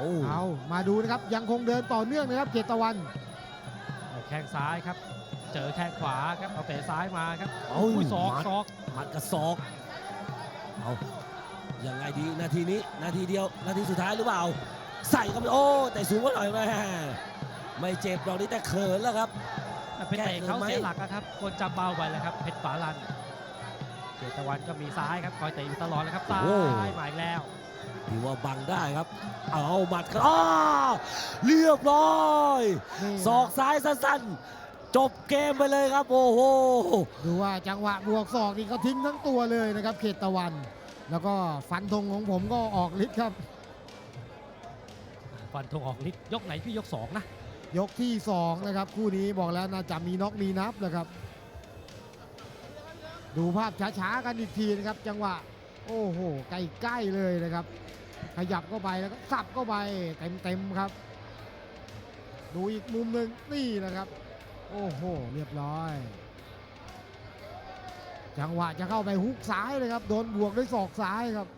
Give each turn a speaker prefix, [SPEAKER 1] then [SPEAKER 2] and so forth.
[SPEAKER 1] เอามาดูนะครับยังคงเดินต่อเนื่องนะครับเขตตะวัน
[SPEAKER 2] แข้งซ้ายครับ เจอแข้งขวาครับเอาเตะซ้ายมาครับ ศอก
[SPEAKER 3] หมัดกับศอกเอายังไงดีนาทีนี้นาทีเดียวนาทีสุดท้ายหรือเปล่าใส่เข้าไปโอ้แต่สูงกว่าหน่อยแม่ไม่เจ็บดอกนี้แต่เขินแล้วครับ
[SPEAKER 2] เป็นเตะเขาเสียหลักครับคนจำเบาไปแล้วครับเพชรฝาลันเขตตะวันก็มีซ้ายครับคอยเตะอยู่ตลอดเลยครับซ้ายมาอีกแล้ว
[SPEAKER 3] ถือว่าบังได้ครับเอาหมัดครับเรียบร้อยศอกซ้ายสั้นๆจบเกมไปเลยครับโอ้โห
[SPEAKER 1] ดูว่าจังหวะบวกศอกนี่เขาทิ้งทั้งตัวเลยนะครับเขตตะวัน แล้วก็ฟันธงของผมก็ออกฤทธิ์ครับ
[SPEAKER 2] ฟันธงออกฤทธิ์ยกไหนพี่ยก2นะ
[SPEAKER 1] ยกที่2นะครับคู่นี้บอกแล้วน่าจะมีน็อกมีนับนะครับ ดูภาพช้าๆกันอีกทีนะครับจังหวะโอ้โหใกล้ๆเลยนะครับขยับเข้าไปแล้วก็สับเข้าไปเต็มๆครับ ดูอีกมุมหนึ่งนี่นะครับโอ้โหเรียบร้อยจังหวะจะเข้าไปฮุกซ้ายเลยครับโดนบวกด้วยศอกซ้ายครับ